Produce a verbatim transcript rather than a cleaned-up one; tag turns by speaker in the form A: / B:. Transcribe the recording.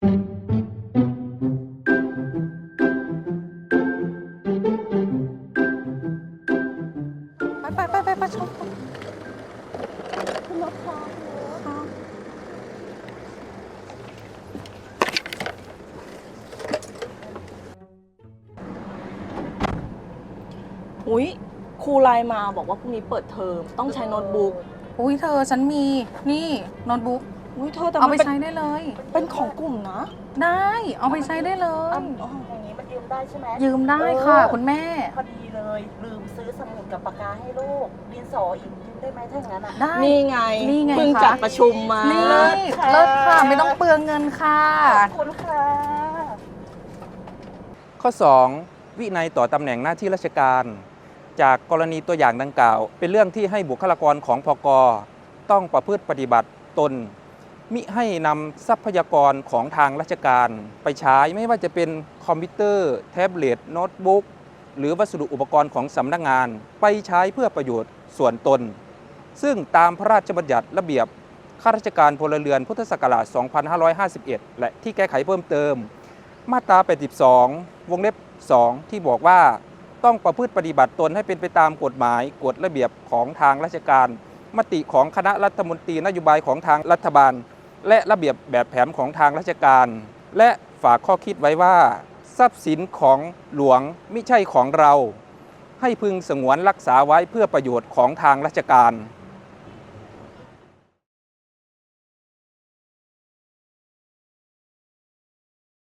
A: ไปไปไปไปไปชมคุณรถค่ะ
B: อุ๊ยครูไลน์มาบอกว่าพรุ่งนี้เปิดเทอมต้องใช้โน้ตบุ๊ก
A: อุ้ยเธอฉันมีนี่โน้ตบุ๊ก
B: อุ๊ยเธอแต่
A: เอา
B: มัน
A: ไป
B: เป็น
A: ใช้ได้เลย
B: เป็นของกลุ่มนะ
A: ได้เอาไปใช้ได้เลย
B: อ๋อ
C: อย่างนี้มันยืมได้ใช่ไหม
A: ยืมได้ค่ะ
C: เออ
A: คุณแม่
C: พอดีเลย ลืมซื้อสมุดกับปากกาให้ลูกดินสออีกยืมได้ไหมถ้าอย่างนั้นอ่ะ
A: ได้
B: นี่ไง
A: นี่ไง
B: เพิ่ง
A: คะ
B: จัดประชุมมา
A: นี่
C: เลิศค่ะ
A: เลิศค่ะไม่ต้องเปลืองเงินค่ะ
C: ขอบคุณค่ะ
D: ข้อ สอง วินัยต่อตำแหน่งหน้าที่ราชการ จากกรณีตัวอย่างดังกล่าว เป็นเรื่องที่ให้บุคลากรของพกต้องประพฤติปฏิบัติตน มิให้นำทรัพยากรของทางราชการ ไปใช้ไม่ว่าจะเป็นคอมพิวเตอร์ แท็บเล็ต โน้ตบุ๊กหรือวัสดุอุปกรณ์ของสำนักงาน ไปใช้เพื่อประโยชน์ส่วนตน ซึ่งตามพระราชบัญญัติระเบียบข้าราชการพลเรือนพุทธศักราช สองพันห้าร้อยห้าสิบเอ็ด และที่แก้ไขเพิ่มเติม มาตรา แปดสิบสอง วงเล็บ สอง ที่บอกว่าต้องประพฤติปฏิบัติตนให้เป็นไปตามกฎหมายกฎระเบียบของทางราชการ มติของคณะรัฐมนตรีนโยบายของทางรัฐบาล และระเบียบแบบแผนของทางราชการ และฝากข้อคิดไว้ว่าทรัพย์สินของหลวงมิใช่ของเรา ให้พึงสงวนรักษาไว้เพื่อประโยชน์ของทางราชการ